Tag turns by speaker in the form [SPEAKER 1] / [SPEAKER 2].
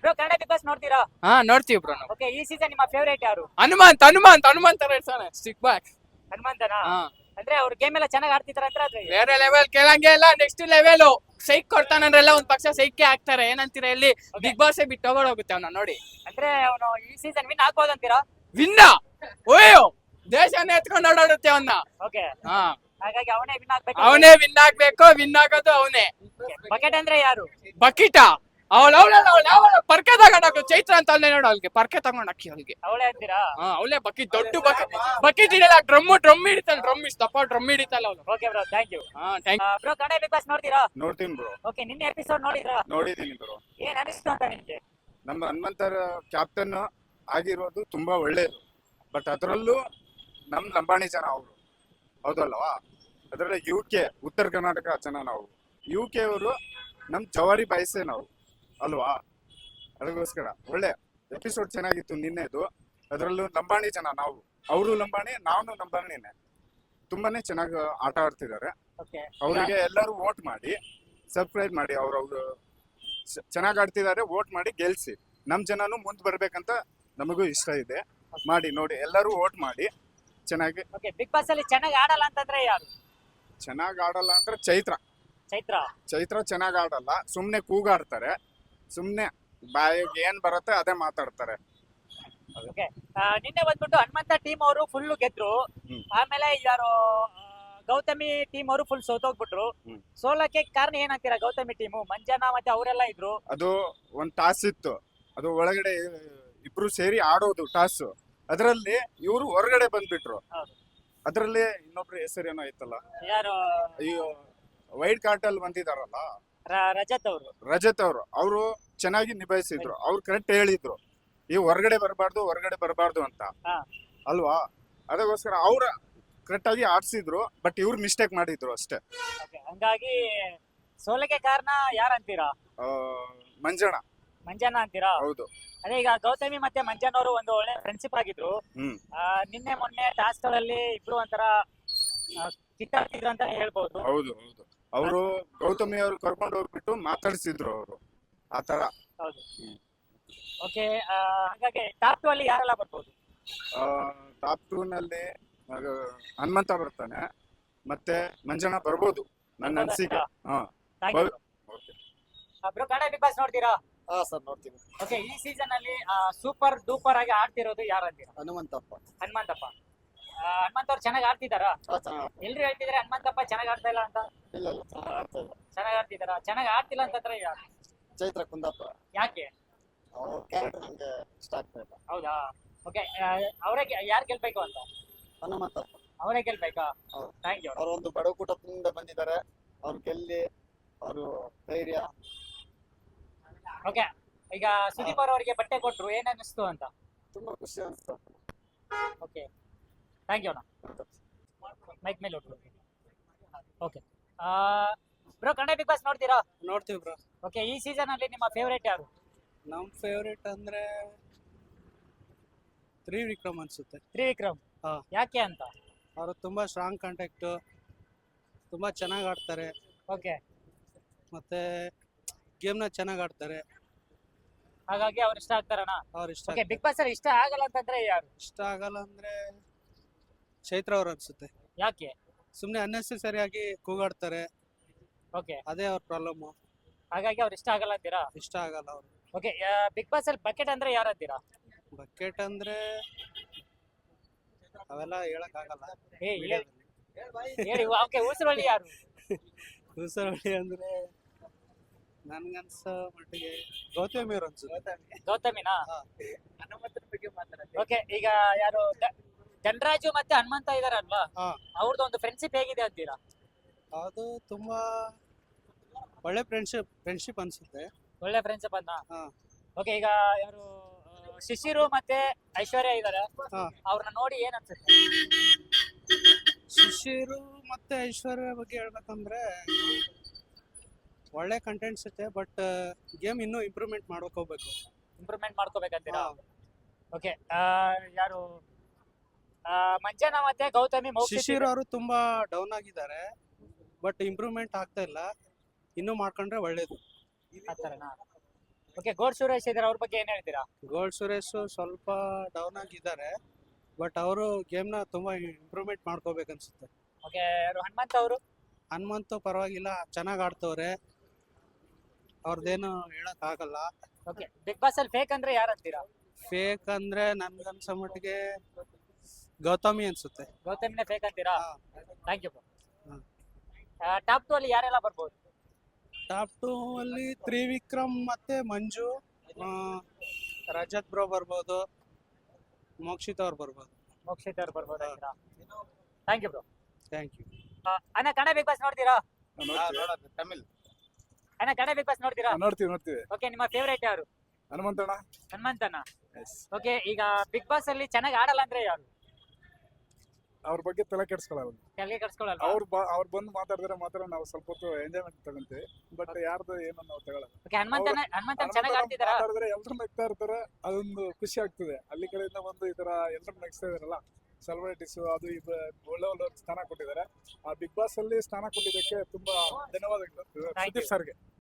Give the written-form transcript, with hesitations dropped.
[SPEAKER 1] Bro Kannada Bigg Boss ನೋಡ್ತೀರಾ?
[SPEAKER 2] ಹಾ ನೋಡ್ತೀವಿ ಬ್ರೋ ನಾವು.
[SPEAKER 1] ಓಕೆ, ಈ ಸೀಸನ್ ನಿಮ್ಮ ಫೇವರೇಟ್ ಯಾರು?
[SPEAKER 2] ಹನುಮಂತ ಇರ್ತಾನೆ ಸ್ಟಿಕ್ ಬ್ಯಾಕ್.
[SPEAKER 1] ಹನುಮಂತನಾ?
[SPEAKER 2] ಹಾ
[SPEAKER 1] ಅಂದ್ರೆ ಅವ್ರ ಗೇಮ್ ಎಲ್ಲ ಚೆನ್ನಾಗಿ ಆಡ್ತಿದಾರ ಅಂತ ಆದ್ರೆ
[SPEAKER 2] ಬೇರೆ ಲೆವೆಲ್ ಕೇಳಂಗೆ ಇಲ್ಲ, ನೆಕ್ಸ್ಟ್ ಲೆವೆಲ್. ಸೈಕ್ ಕೊಡ್ತಾನಂದ್ರೆಲ್ಲ ಒಂದ್ ಪಕ್ಷ ಸೈಕೆ ಹಾಕ್ತಾರೆ. ಏನಂತೀರಾ ಇಲ್ಲಿ ಬಿಗ್ ಬಾಸ್ ಬಿಟ್ಟು ತಗೊಂಡೋಗುತ್ತೆ ಅವ್ನ ನೋಡಿ.
[SPEAKER 1] ಅಂದ್ರೆ ಅವನು ಈ ಸೀಸನ್ ವಿನ್ ಆಗ್ಬೋದಂತೀರಾ?
[SPEAKER 2] ವಿನ್ನ ಓಯೋ ದೇಶನೇ ಎತ್ಕೊಂಡು ಓಡಾಡುತ್ತೆ ಅವನ್ನ.
[SPEAKER 1] ಓಕೆ,
[SPEAKER 2] ಹಾ
[SPEAKER 1] ಹಾಗಾಗಿ ಅವನೇ ವಿನ್ ಆಗ್ಬೇಕು.
[SPEAKER 2] ಅವನೇ ವಿನ್ ಆಗ್ಬೇಕು, ವಿನ್ ಆಗೋದು ಅವನೇ.
[SPEAKER 1] ಬಕೆಟ್ ಅಂದ್ರೆ ಯಾರು?
[SPEAKER 2] ಬಕೀಟ ಅವಳು ಪರ್ಕೆ ತಗೊಂಡಾಕ ಚೈತ್ರ ಅಂತ ಅಲ್ಲೇ ನೋಡು, ಅವ್ಳಿಗೆ ಪರ್ಕೆ ತಗೊಂಡಾಕಿ ಅವ್ಳಿಗೆ.
[SPEAKER 1] ಅವಳೇ ಅಂತೀರಾ?
[SPEAKER 2] ಅವಳೇ ಬಕೀಟ್, ದೊಡ್ಡ ಬಕೀಟ್ ಇದೆಯಲ್ಲ, ಡ್ರಮ್ ಹಿಡಿತಾಳೆ, ಡ್ರಮ್ ಹಿಡಿತಾಳೆ ಅವಳು.
[SPEAKER 1] Okay bro, thank you.
[SPEAKER 2] ಹಾ thank you.
[SPEAKER 1] Bro Kannada Bigg Boss ನೋಡ್ತೀರಾ?
[SPEAKER 3] ನೋಡ್ತೀನಿ ಬ್ರೋ.
[SPEAKER 1] ಓಕೆ, ನಿನ್ನೆ ಎಪಿಸೋಡ್ ನೋಡಿದ್ರಾ?
[SPEAKER 3] ನೋಡಿದೀನಿ ಬ್ರೋ.
[SPEAKER 1] ಏನ್ ಅನಿಸ್ತು ಅಂತ ನಿಮ್ಗೆ?
[SPEAKER 3] ನಮ್ಮ ಹನುಮಂತರ ಕ್ಯಾಪ್ಟನ್ ಆಗಿರೋದು ತುಂಬಾ ಒಳ್ಳೇದು. ಬಟ್ ಅದರಲ್ಲೂ ನಮ್ ಲಂಬಾಣಿ ಜನ ಅವರು, ಹೌದಲ್ವಾ? ಅದರಲ್ಲಿ UK ಉತ್ತರ ಕರ್ನಾಟಕ ಜನ ನಾವು. UK ಅವರು ನಮ್ ಜವಾರಿ ಬಾಯ್ಸೆ ನಾವು, ಅಲ್ವಾ? ಅದಕ್ಕೋಸ್ಕರ ಒಳ್ಳೆ ಎಪಿಸೋಡ್ ಚೆನ್ನಾಗಿತ್ತು ನಿನ್ನೆದು. ಅದರಲ್ಲೂ ಲಂಬಾಣಿ ಜನ ನಾವು, ಅವರು ಲಂಬಾಣಿ, ನಾನು ಲಂಬಾಣಿನೇ. ತುಂಬಾನೇ ಚೆನ್ನಾಗಿ ಆಟ ಆಡ್ತಿದ್ದಾರೆ.
[SPEAKER 1] ಓಕೆ,
[SPEAKER 3] ಅವರಿಗೆ ಎಲ್ಲರೂ ವೋಟ್ ಮಾಡಿ, ಸಬ್ಸ್ಕ್ರೈಬ್ ಮಾಡಿ. ಅವ್ರವ್ರು ಚೆನ್ನಾಗಿ ಆಡ್ತಿದ್ದಾರೆ, ವೋಟ್ ಮಾಡಿ ಗೆಲ್ಸಿ. ನಮ್ ಜನನು ಮುಂದ್ ಬರ್ಬೇಕಂತ ನಮಗೂ ಇಷ್ಟ ಇದೆ. ಮಾಡಿ ನೋಡಿ, ಎಲ್ಲರೂ ವೋಟ್ ಮಾಡಿ ಚೆನ್ನಾಗಿ.
[SPEAKER 1] ಓಕೆ, ಬಿಗ್ ಬಾಸ್ ಅಲ್ಲಿ ಚೆನ್ನಾಗಿ ಆಡಲ್ಲ ಅಂತಂದ್ರೆ ಯಾರು?
[SPEAKER 3] ಚೆನ್ನಾಗಿ ಆಡಲ್ಲ ಅಂದ್ರೆ ಚೈತ್ರ ಚೆನ್ನಾಗಿ ಆಡಲ್ಲ, ಸುಮ್ನೆ ಕೂಗಾಡ್ತಾರೆ, ಸುಮ್ನೆ ಬಾಯಿಗೆ ಏನ್ ಬರುತ್ತೆ ಅದೇ ಮಾತಾಡ್ತಾರೆ.
[SPEAKER 1] ಓಕೆ, ನಿನ್ನೆ ಬಂದ್ಬಿಟ್ಟು ಹನುಮಂತ ಟೀಮ್ ಅವರು ಫುಲ್ ಗೆದ್ರು.
[SPEAKER 3] ಹ್ಮ್.
[SPEAKER 1] ಆಮೇಲೆ ಯಾರು ಗೌತಮಿ ಟೀಮ್ ಅವರು ಫುಲ್ ಸೋತೋಗ್ಬಿಟ್ರು.
[SPEAKER 3] ಹ್ಮ್.
[SPEAKER 1] ಸೋಲಕ್ಕೆ ಕಾರಣ ಏನಂತೀರಾ? ಗೌತಮಿ ಟೀಮು, ಮಂಜನಾ ಮತ್ತೆ ಅವರೆಲ್ಲ ಇದ್ರು.
[SPEAKER 3] ಅದು ಒಂದ್ ಟಾಸ್ ಇತ್ತು, ಅದು ಒಳಗಡೆ ಇಬ್ರು ಸೇರಿ ಆಡೋದು ಟಾಸ್. ಅದರಲ್ಲಿ ಇವರು ಹೊರಗಡೆ ಬಂದ್ಬಿಟ್ರು.
[SPEAKER 1] ಹೌದು.
[SPEAKER 3] ಅದರಲ್ಲಿ ಇನ್ನೊಬ್ರು ಹೆಸರೇನೋ ಐತಲ್ಲ,
[SPEAKER 1] ಯಾರು?
[SPEAKER 3] ಅಯ್ಯೋ, ವೈಟ್ ಕಾರ್ಟ್ ಅಲ್ಲಿ ಬಂದಿದಾರಲ್ಲ,
[SPEAKER 1] ರಜತ್ ಅವರು.
[SPEAKER 3] ರಜತ್ ಅವರು ಚೆನ್ನಾಗಿ ನಿಭಾಯಿಸಿದ್ರು. ಅವ್ರು ಕರೆಕ್ಟ್ ಹೇಳಿದ್ರು, ಈ ಹೊರಗಡೆ ಬರಬಾರ್ದು ಅಂತ,
[SPEAKER 1] ಹಾ.
[SPEAKER 3] ಅಲ್ವಾ? ಅದಕ್ಕೋಸ್ಕರ ಅವ್ರ ಕರೆಕ್ಟ್ ಆಗಿ ಆಡ್ಸಿದ್ರು. ಬಟ್ ಇವ್ರು ಮಿಸ್ಟೇಕ್ ಮಾಡಿದ್ರು ಅಷ್ಟೇ.
[SPEAKER 1] Okay, ಹಂಗಾಗಿ ಸೋಲಕ್ಕೆ ಕಾರಣ ಯಾರಂತೀರಾ? ಮಂಜನಾ ಅಂತೀರಾ?
[SPEAKER 3] ಹೌದು.
[SPEAKER 1] ಅದೇ ಈಗ ಗೌತಮಿ ಮತ್ತೆ ಮಂಜನ್ ಅವರು ಒಂದು ಒಳ್ಳೆ ಫ್ರೆಂಡ್ಶಿಪ್ ಆಗಿದ್ರು.
[SPEAKER 3] ಹ್ಮ್.
[SPEAKER 1] ನಿನ್ನೆ ಮೊನ್ನೆ ಟಾಸ್ಕ್ ಗಳಲ್ಲಿ ಇಬ್ರು ಒಂಥರ ಕಿತ್ತಾಡ್ತಿದ್ರು ಅಂತ ಹೇಳ್ಬೋದು.
[SPEAKER 3] ಹೌದು. ಅವರು ಗೌತಮಿ ಅವ್ರು ಕರ್ಕೊಂಡು ಹೋಗ್ಬಿಟ್ಟು ಮಾತಾಡ್ಸಿದ್ರು ಅವರು, ಆತರ.
[SPEAKER 1] ಹೌದು. ಓಕೆ, ಹಾಗಾಗಿ ಟಾಪ್ 2 ಅಲ್ಲಿ ಯಾರೆಲ್ಲ ಬರ್ಬೋದು?
[SPEAKER 3] ಟಾಪ್ 2 ನಲ್ಲಿ ಹನುಮಂತ ಬರ್ತಾನೆ, ಮತ್ತೆ ಮಂಜನಾ ಬರ್ಬೋದು ನನ್ನ ಅನಿಸಿಕೆ. ಹಾ.
[SPEAKER 1] ಬ್ರೋ ಕನ್ನಡ ಬಿಗ್ ಬಾಸ್ ನೋಡ್ತೀರಾ?
[SPEAKER 4] ಹಾ ಸರ್, ನೋಡ್ತೀನಿ.
[SPEAKER 1] ಓಕೆ, ಈ ಸೀಸನ್ ಅಲ್ಲಿ ಸೂಪರ್ ಡೂಪರ್ ಆಗಿ ಆಡ್ತಿರೋದು ಯಾರು ಅಂತೀರಾ?
[SPEAKER 4] ಹನುಮಂತಪ್ಪ.
[SPEAKER 1] ಹನುಮಂತಪ್ಪ ಅವ್ರು ಚೆನ್ನಾಗಿ ಆಡ್ತಿದಾರಾ? ಎಲ್ರು ಹೇಳ್ತಿದಾರೆ ಹನುಮಂತಪ್ಪ ಚೆನ್ನಾಗಿ ಆಡ್ತಾ ಇಲ್ಲ ಅಂತ.
[SPEAKER 4] ಇಲ್ಲ, ಚೆನ್ನಾಗಿ ಆಡ್ತಾ ಇಲ್ಲ.
[SPEAKER 1] ಚೆನ್ನಾಗಿ ಆಡ್ತಿದಾರ? ಚೆನ್ನಾಗಿ ಆಡ್ತಿಲ್ಲ ಅಂತಂದ್ರೆ ಯಾರು?
[SPEAKER 4] ಚೈತ್ರ ಕುಂದಪ್ಪ.
[SPEAKER 1] ಯಾಕೆ?
[SPEAKER 4] ಅವ್ರ ಕ್ಯಾರೆಕ್ಟರ್ ನಂಗೆ ಇಷ್ಟ ಆಗ್ತಾ ಇಲ್ಲ.
[SPEAKER 1] ಹೌದಾ? ಓಕೆ, ಅವರೇ ಯಾರು ಗೆಲ್ಬೇಕು ಅಂತ?
[SPEAKER 4] ಹನುಮಂತಪ್ಪ
[SPEAKER 1] ಅವರೇ ಗೆಲ್ಬೇಕಾ?
[SPEAKER 4] ಹೌದು.
[SPEAKER 1] Thank you.
[SPEAKER 4] ಅವ್ರು ಒಂದು ಬಡ ಕುಟುಂಬದಿಂದ ಬಂದಿದ್ದಾರೆ. ಅವ್ರು ಗೆಲ್ಲಿ, ಅವರು ಧೈರ್ಯ.
[SPEAKER 1] ಓಕೆ, ಈಗ ಸುದೀಪ್ ಅವರಿಗೆ ಬಟ್ಟೆ ಕೊಟ್ರು, ಏನ್ ಅನ್ನಿಸ್ತು ಅಂತ?
[SPEAKER 4] ತುಂಬಾ ಖುಷಿ ಅನಿಸ್ತು.
[SPEAKER 1] ಓಕೆ, ಥ್ಯಾಂಕ್ ಯು ಅಣ್ಣ. ಮೈಕ್ ಮೇಲೆ okay, bro Kannada Bigg Boss ನೋಡ್ತೀರಾ?
[SPEAKER 2] ನೋಡ್ತೀವಿ ಬ್ರೋ.
[SPEAKER 1] ಓಕೆ, ಈ ಸೀಸನ್ ಅಲ್ಲಿ ನಿಮ್ಮ ಫೇವರೇಟ್ ಯಾರು?
[SPEAKER 2] ನಮ್ ಫೇವ್ರೇಟ್ ಅಂದ್ರೆ ತ್ರಿವಿಕ್ರಮ್ ಅನ್ಸುತ್ತೆ.
[SPEAKER 1] ತ್ರಿವಿಕ್ರಮ್.
[SPEAKER 2] ಹಾ.
[SPEAKER 1] ಯಾಕೆ ಅಂತ?
[SPEAKER 2] ಅವರು ತುಂಬಾ ಸ್ಟ್ರಾಂಗ್ ಕಾಂಟ್ಯಾಕ್ಟ್, ತುಂಬಾ ಚೆನ್ನಾಗಿ ಆಡ್ತಾರೆ,
[SPEAKER 1] ಓಕೆ,
[SPEAKER 2] ಮತ್ತೆ ಗೇಮ್ನ ಚೆನ್ನಾಗಿ ಆಡ್ತಾರೆ.
[SPEAKER 1] ಹಾಗಾಗಿ ಅವ್ರು ಇಷ್ಟ ಆಗ್ತಾರಣ್ಣ?
[SPEAKER 2] ಅವ್ರು ಇಷ್ಟ
[SPEAKER 1] ಓಕೆ, ಬಿಗ್ ಬಾಸ್ ಅಲ್ಲಿ ಇಷ್ಟ ಆಗಲ್ಲ ಅಂತಂದ್ರೆ ಯಾರು?
[SPEAKER 2] ಇಷ್ಟ ಆಗಲ್ಲ ಅಂದ್ರೆ ಚೈತ್ರ ಅವ್ರು ಅನ್ಸುತ್ತೆ.
[SPEAKER 1] ಯಾಕೆ?
[SPEAKER 2] ಸುಮ್ನೆ ಅನ್ನೆಸರಿಯಾಗಿ ಕೂಗಾಡ್ತಾರೆ,
[SPEAKER 1] ಓಕೆ,
[SPEAKER 2] ಅದೇ ಅವ್ರ ಪ್ರಾಬ್ಲಮ್.
[SPEAKER 1] ಹಾಗಾಗಿ ಅವ್ರು ಇಷ್ಟ ಆಗಲ್ಲ ಅಂತೀರಾ?
[SPEAKER 2] ಇಷ್ಟ ಆಗಲ್ಲ ಅವ್ರು.
[SPEAKER 1] ಓಕೆ, ಬಿಗ್ ಬಾಸ್ ಅಲ್ಲಿ ಬಕೆಟ್ ಅಂದ್ರೆ ಯಾರು ಅಂತೀರಾ?
[SPEAKER 2] ಬಕೆಟ್ ಅಂದ್ರೆ ಅವೆಲ್ಲ ಹೇಳಕ್ ಆಗಲ್ಲ.
[SPEAKER 1] ಹೇಳಿ. ಓಕೆ, ಉಸಿರೊಳ್ಳಿ ಯಾರು?
[SPEAKER 2] ಉಸಿರೊಳ್ಳಿ ಅಂದ್ರೆ ನನ್ಗನ್ಸೋ ಮಟ್ಟಿಗೆ ಗೌತಮಿ ಅವ್ರು ಅನ್ಸುತ್ತೆ.
[SPEAKER 1] ಗೌತಮಿನಾ? ಹನುಮಂತನ ಬಗ್ಗೆ ಮಾತಾಡ್ತೀವಿ. ಓಕೆ, ಈಗ ಯಾರು ಧನರಾಜು ಮತ್ತೆ ಹನುಮಂತ ಇದಾರಲ್ವಾ,
[SPEAKER 2] ಹಾ.
[SPEAKER 1] ಅವ್ರದ್ದು ಒಂದು ಫ್ರೆಂಡ್ಶಿಪ್ ಹೇಗಿದೆ ಅಂತೀರಾ?
[SPEAKER 2] ಅದು ತುಂಬಾ ಒಳ್ಳೆ ಫ್ರೆಂಡ್ಶಿಪ್ ಅನ್ಸುತ್ತೆ.
[SPEAKER 1] ಒಳ್ಳೆ ಫ್ರೆಂಡ್ಶಿಪ್ ಅನ್ನ.
[SPEAKER 2] ಹಾ.
[SPEAKER 1] ಓಕೆ, ಈಗ ಯಾರು ಶಿಶಿರು ಮತ್ತೆ ಐಶ್ವರ್ಯ ಇದಾರೆ,
[SPEAKER 2] ಹಾ.
[SPEAKER 1] ಅವ್ರನ್ನ ನೋಡಿ ಏನ್ ಅನ್ಸುತ್ತೆ?
[SPEAKER 2] ಶಿಶಿರು ಮತ್ತೆ ಐಶ್ವರ್ಯ ಬಗ್ಗೆ ಹೇಳ್ಬೇಕಂದ್ರೆ ಒಳ್ಳೆ ಕಂಟೆಂಟ್ಸ್ ಇರುತ್ತೆ, ಬಟ್ ಗೇಮ್ ಇನ್ನೂ ಇಂಪ್ರೂವ್ಮೆಂಟ್ ಮಾಡೋಕೆ ಹೋಗ್ಬೇಕು.
[SPEAKER 1] ಇಂಪ್ರೂವ್ಮೆಂಟ್ ಮಾಡ್ಕೋಬೇಕಂತೀರಾ? ಓಕೆ, ಯಾರು ಮಂಜನಾ ಮತ್ತೆ ಗೌತಮಿ
[SPEAKER 2] ಶಿಶಿರ್ ಅವರು ತುಂಬಾ ಡೌನ್ ಆಗಿದ್ದಾರೆ, ಬಟ್ ಇಂಪ್ರೂವ್ಮೆಂಟ್ ಆಗ್ತಾ ಇಲ್ಲ. ಇನ್ನೂ ಮಾಡ್ಕೊಂಡ್ರೆ ಒಳ್ಳೇದು.
[SPEAKER 1] ಆತರನಾ? ಓಕೆ, ಗೋಡ್ ಸುರೇಶ್ ಇದಾರೆ, ಅವ್ರ ಬಗ್ಗೆ ಏನ್ ಹೇಳ್ತೀರಾ?
[SPEAKER 5] ಗೋಲ್ಡ್ ಸುರೇಶ್ ಸ್ವಲ್ಪ ಡೌನ್ ಆಗಿದ್ದಾರೆ, ಬಟ್ ಅವರು ಗೇಮ್ನ ತುಂಬಾ ಇಂಪ್ರೂವ್ಮೆಂಟ್ ಮಾಡ್ಕೋಬೇಕನ್ಸುತ್ತೆ.
[SPEAKER 1] ಓಕೆ, ಯಾರು ಹನುಮಂತ್ ಅವರು?
[SPEAKER 5] ಹನುಮಂತು ಪರವಾಗಿಲ್ಲ, ಚೆನ್ನಾಗಿ ಆಡ್ತವ್ರೆ, ಅವ್ರದ್ದೇನು ಹೇಳಕ್ ಆಗಲ್ಲ.
[SPEAKER 1] ಓಕೆ, ಬಿಗ್ ಬಾಸ್ ಅಲ್ಲಿ ಫೇಕ್ ಅಂದ್ರೆ ಯಾರು ಅಂತೀರಾ?
[SPEAKER 5] ಫೇಕ್ ಅಂದ್ರೆ ನನ್ಗನ್ಸೋ ಮಟ್ಟಿಗೆ ಗೌತಮಿ ಅನ್ಸುತ್ತೆ.
[SPEAKER 1] ಗೌತಮಿನೇ ಫೇಕ್ ಅಂತೀರಾ?
[SPEAKER 5] ಹಾ.
[SPEAKER 1] Thank you.
[SPEAKER 5] ಹ್ಮ್.
[SPEAKER 1] ಟಾಪ್ 2 ಅಲ್ಲಿ ಯಾರೆಲ್ಲ ಬರ್ಬೋದು?
[SPEAKER 5] ಟಾಪ್ 2 ಅಲ್ಲಿ ತ್ರಿವಿಕ್ರಮ್ ಮತ್ತೆ ಮಂಜು, ಆ, ರಜತ್ ಬ್ರೋ ಬರ್ಬೋದು, ಮೋಕ್ಷಿತ್ ಅವ್ರು ಬರ್ಬೋದು.
[SPEAKER 1] ಮೋಕ್ಷಿತ್ ಅವ್ರು ಬರ್ಬೋದು ಅಂತೀರಾ? Thank you bro.
[SPEAKER 5] Thank you.
[SPEAKER 1] ಅಣ್ಣ, ಕನ್ನಡ ಬಿಗ್ ಬಾಸ್ ನೋಡ್ತೀರಾ?
[SPEAKER 4] ತಮಿಳ್
[SPEAKER 1] ಅಣ್ಣ, ಕನ್ನಡ ಬಿಗ್ ಬಾಸ್ ನೋಡ್ತೀರಾ?
[SPEAKER 3] ನೋಡ್ತೀವಿ
[SPEAKER 1] ಓಕೆ, ನಿಮ್ಮ ಫೇವರೇಟ್ ಯಾರು?
[SPEAKER 3] ಹನುಮಂತಣ್ಣ.
[SPEAKER 1] ಹನುಮಂತನ. ಓಕೆ, ಈಗ ಬಿಗ್ ಬಾಸ್ ಅಲ್ಲಿ ಚೆನ್ನಾಗಿ ಆಡಲ್ಲ ಅಂದ್ರೆ ಯಾರು?
[SPEAKER 3] ಅವ್ರ ಬಗ್ಗೆ ತಲೆ ಕೆಡ್ಸ್ಕೊಳ್ಳಲ್ಲ.
[SPEAKER 1] ಕೆಳಗೆ ಕರ್ಸ್ಕೊಳ್ಳಲ್ಲ.
[SPEAKER 3] ಅವ್ರು ಬಂದು ಮಾತಾಡಿದ್ರೆ ಮಾತ್ರ ನಾವು ಸ್ವಲ್ಪ ಹೊತ್ತು ಎಂಜಾಯ್ಮೆಂಟ್ ತಗೊಂತೀವಿ, ಬಟ್ ಯಾರ್ದು ಏನು ನಾವು ತಗೊಳಲ್ಲ.
[SPEAKER 1] ಓಕೆ, ಹನುಮಂತನ ಚೆನ್ನಾಗಿ ಆಡ್ತಿದಾರಾ?
[SPEAKER 3] ಮಾತಾಡಿದ್ರೆ ಎಲ್ರು ನಗ್ತಾ ಇರ್ತಾರೆ, ಅದೊಂದು ಖುಷಿ ಆಗ್ತದೆ. ಅಲ್ಲಿ ಕಡೆಯಿಂದ ಬಂದು ಈ ತರ ಎಲ್ರು ನಗಿಸ್ತಾ ಇದಾರಲ್ಲ, ಸೆಲೆಬ್ರಿಟೀಸ್ ಅದು ಇದು ಒಳ್ಳೆ ಸ್ಥಾನ ಕೊಟ್ಟಿದ್ದಾರೆ. ಆ ಬಿಗ್ ಬಾಸ್ ಅಲ್ಲಿ ಸ್ಥಾನ ಕೊಟ್ಟಿದ್ದಕ್ಕೆ ತುಂಬಾ ಧನ್ಯವಾದಗಳು ಸುದೀಪ್ ಸರ್ಗೆ.